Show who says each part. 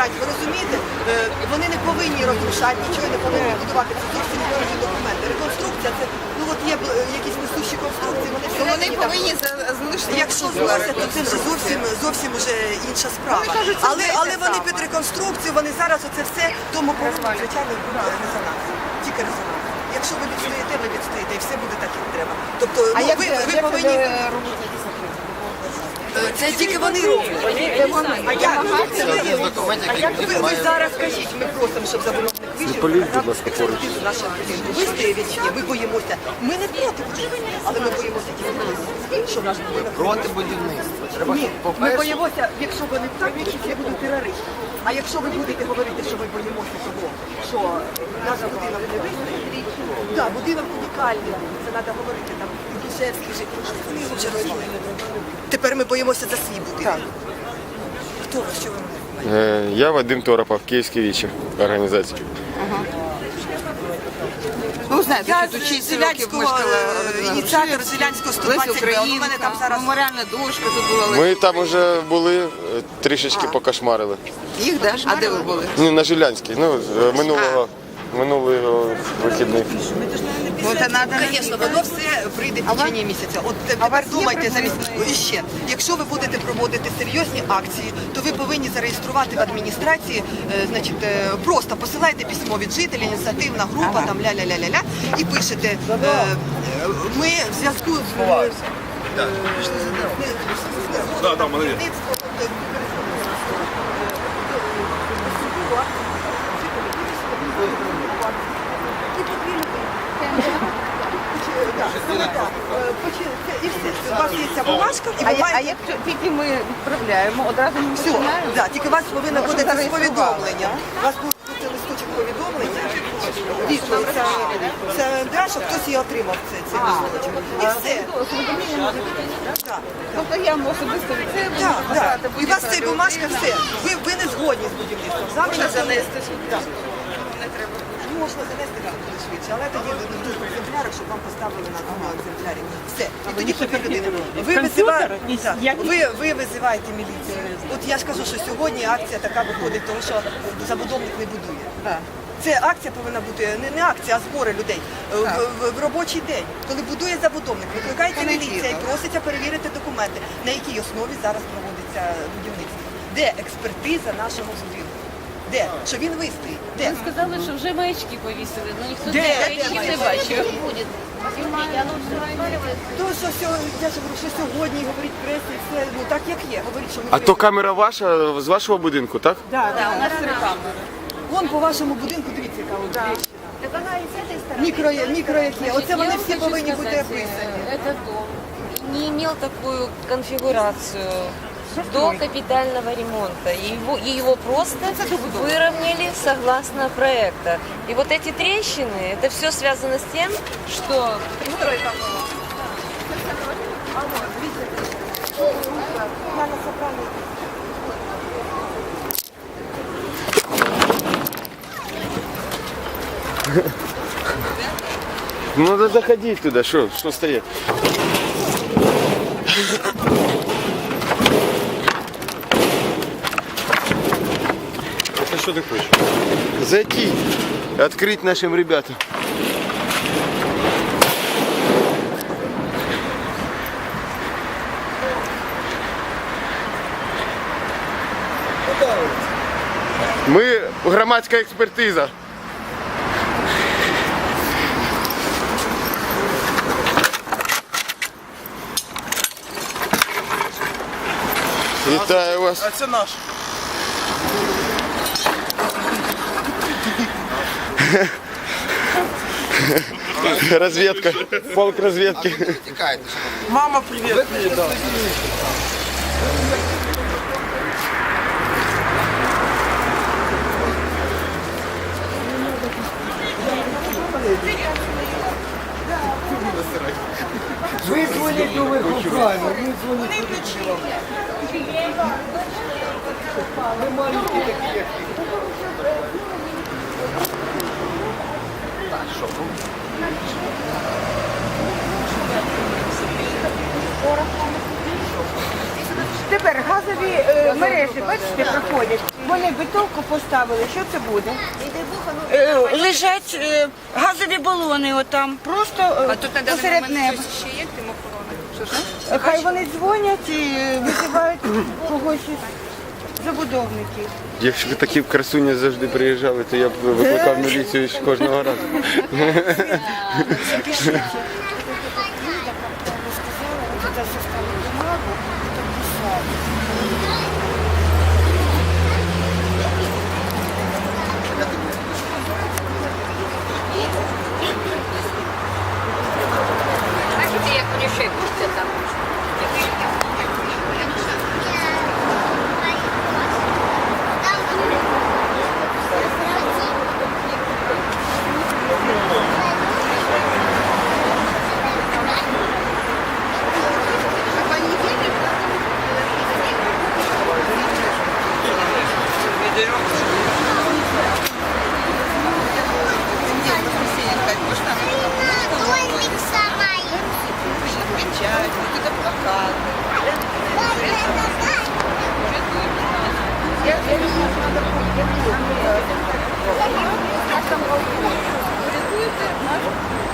Speaker 1: Ви розумієте? Вони не повинні розрушати, нічого не повинні будувати. Це зовсім інші документи. Реконструкція, це, ну от є якісь несущі конструкції, вони всередині.
Speaker 2: Вони повинні залишити.
Speaker 1: Якщо зносять, то це вже зовсім вже інша справа. Але вони під реконструкцію, вони зараз оце все, тому повинен, звичайно, буде резонанс. Тільки резонанс. Якщо ви відстоїте, ви відстоїте, і все буде так, як треба. Тобто, ви повинні... Це тільки вони роблять. Ви зараз кажіть, ми просимо, щоб забудовник вийшов, експертизу нашого будинку. Ви стоїть, ми боїмося. Ми не проти, але ми боїмося тільки, що наш будинок...
Speaker 3: Проти будівництва.
Speaker 1: Ні, ми боїмося, якщо вони праві, це будуть терористи. А якщо ви будете говорити, що ми боїмося того, що наш будинок не вистоїть, так, будинок унікальний, це треба говорити, там, Душевський життя, вони його вже розвалили. Тепер ми боїмося за свій будинок. Хто ви, що ви?
Speaker 4: Я Вадим Торопов, Київські вічі організації.
Speaker 2: Ну, знаєте, тут 6 років мешкала
Speaker 1: ініціатор Зелянського 120
Speaker 2: Україна,
Speaker 1: мене там зараз...
Speaker 2: меморіальна дошка тут була.
Speaker 4: Ми там вже були, трішечки покошмарили.
Speaker 2: Їх, да? А де ви були?
Speaker 4: Ні, на Жилянській, ну, минулий вихідний.
Speaker 1: Звісно, воно все прийде в течение місяця. От тепер думайте, і ще, якщо ви будете проводити серйозні акції, то ви повинні зареєструвати в адміністрації, значить, просто посилайте письмо від жителів, ініціативна група, там ля-ля-ля-ля-ля, і пишете, ми в зв'язку з...
Speaker 5: Да, молодець.
Speaker 1: І все. У вас є ця бумажка, і
Speaker 2: А як тільки ми відправляємо, одразу ми
Speaker 1: все, да, тільки у вас повинно бути це повідомлення. У вас буде листочок повідомлення. Відповідь. Це да, щоб хтось її отримав, цей листочок. І все. Так.
Speaker 2: Тобто я особисто від це
Speaker 1: Так, так. І у вас ця бумажка, все. Ви не згодні з будівництвом. Завтра занести. Можна занести буде швидше, але тоді в двох екземплярах, щоб вам поставили на одному екземплярі. Все. І тоді тобі людина. Ви визиваєте міліцію. От я ж кажу, що сьогодні акція така виходить, тому що забудовник не будує. Це акція повинна бути, не акція, а збори людей. В робочий день, коли будує забудовник, викликається міліція і проситься перевірити документи, на якій основі зараз проводиться будівництво. Де експертиза нашого будинку? Де? Що він вистоїть? Де?
Speaker 6: Ви сказали, що вже маячки повісили, але ніхто маячків не бачив.
Speaker 1: То, що я ж говорю, що сьогодні говорить преса і все, ну так як є. Говорить, що ми
Speaker 4: А то камера ваша, з вашого будинку, так?
Speaker 1: Так, у нас камера. Вон по вашому будинку, дивіться, яка от тріщина.
Speaker 6: Так вона і з цієї сторони.
Speaker 1: Мікро які. Оце вони
Speaker 6: Я
Speaker 1: всі
Speaker 6: хочу
Speaker 1: повинні бути
Speaker 6: сказать,
Speaker 1: описані.
Speaker 6: Этот дом не имел такую конфигурацию до капитального ремонта. Его просто выровняли согласно проекта. И вот эти трещины, это все связано с тем, что...
Speaker 4: Ну, надо заходить туда, что стоять?
Speaker 5: А що ти хочеш?
Speaker 4: Зайти, открыть нашим ребятам. Ми громадська експертиза. Вітаю вас.
Speaker 5: А це наш.
Speaker 4: Разведка. Полк разведки.
Speaker 5: Мама, привіт.
Speaker 3: Ви дзвоніть у Україну, ви дзвоніть. Ви маленькі такі, як ти.
Speaker 7: Тепер газові мережі, бачите, проходять. Вони бетонку поставили. Що це буде? Лежать газові балони отам, просто посеред неба.
Speaker 2: ще є тим охорони?
Speaker 7: Хай вони дзвонять і визивають когось із забудовників.
Speaker 4: Якщо б такі красуні завжди приїжджали, то я б викликав міліцію кожного разу.
Speaker 1: Запишите. Вот это составили бумагу, подписали.
Speaker 6: Знаете, я ключей пустят там.
Speaker 7: Там